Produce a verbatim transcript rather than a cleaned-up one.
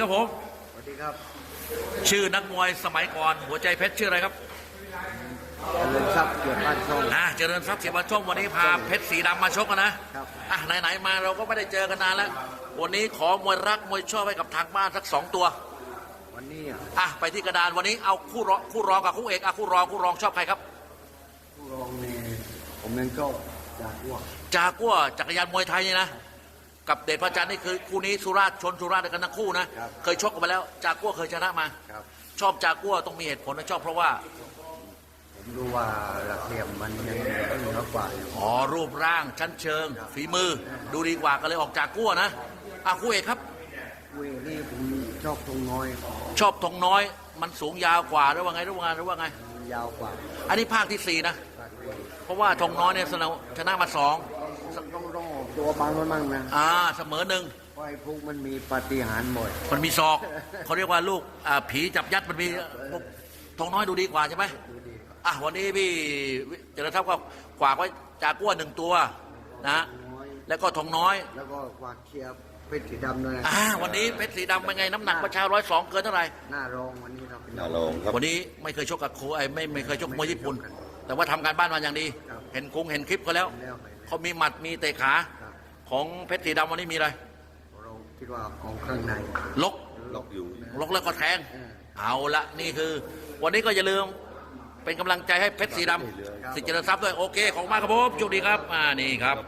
ครับผมสวัสดีครับชื่อนักมวยสมัยก่อนหัวใจเพชรชื่ออะไรครับเจริญทรัพย์เกียรติบ้านช่องอ่าเจริญทรัพย์เสียบันช่องวันนี้พาเพชรสีดำมาชกกันนะครับ อ่ะไหนๆมาเราก็ไม่ได้เจอกันนานแล้ววันนี้ขอมวยรักมวยชอบให้กับทางบ้านสักสองตัววันนี้อ่ะอ่ะไปที่กระดานวันนี้เอาคู่รองคู่รองกับคู่เอกอ่ะคู่รองคู่รองชอบใครครับผู้รองเนี่ยผมเองก็จากอ้วกจากัวจักรยานมวยไทยนี่นะกับเดชพระจันทร์นี่คือคู่นี้สุราษฎร์ชนสุราษฎร์ด้วยกันทั้งคู่นะเคยชกกันมาแล้วจากัวเคยชนะมาครับชอบจากัวต้องมีเหตุผลนะชอบเพราะว่าผมรู้ว่าหลักเหลี่ยมมันยังต้องเหนือกว่าอยู่อ๋อรูปร่างชั้นเชิง ฝีมือดูดีกว่าก็เลยออกจากกัวนะอ่ะคู่เอกครับเว้ยนี่ผมชอบตรงน้อยชอบทองน้อยมันสูงยาวกว่าหรือว่าไงหรือว่าไงหรือว่าไงมันยาวกว่าอันนี้ภาคที่สี่นะปากเว้ยเพราะว่าทองน้อยเนี่ยชนะชนะมาสองต้องต้องต้องออกตัวบางมันมั่งนะอ่าเสมอหนึ่งเพราะไอ้พวกมันมีปาฏิหาริย์บ่อยมันมีศอกเขาเรียกว่าลูกอ่าผีจับยัดมันมีทองน้อยดูดีกว่าใช่ไหมดูดีครับอ่ะวันนี้พี่เจริญทรัพย์ก็ฝากไว้จากกัวหนึ่งตัวนะน้อยแล้วก็ทองน้อยแล้วก็กวาดเชียร์เพชรสีดำด้วยนะอ่าวันนี้เพชรสีดำเป็นไงน้ำหนักประชาร้อยสองเกินเท่าไหร่หน้ารองวันนี้เราเป็นน่าลองครับวันนี้ไม่เคยชกกับโคไอ้ไม่ไม่เคยชกมวยญี่ปุ่น แต่ว่าทำการบ้านมาอย่างดี เห็นคงเห็นคลิปเขาแล้วแล้วไปเขามีหมัดมีเตะขาครับของเพชรสีดำวันนี้มีอะไรเราคิดว่าของข้างในลกล็อกอยู่ลกแล้วก็แทงเออเอาละนี่คือ วันนี้ก็อย่าลืมเป็นกำลังใจให้เพชรสีดำสิทธิ์เจริญทรัพย์ด้วยโอเคของมากครับผมโชคดีครับอ่านี่ครับ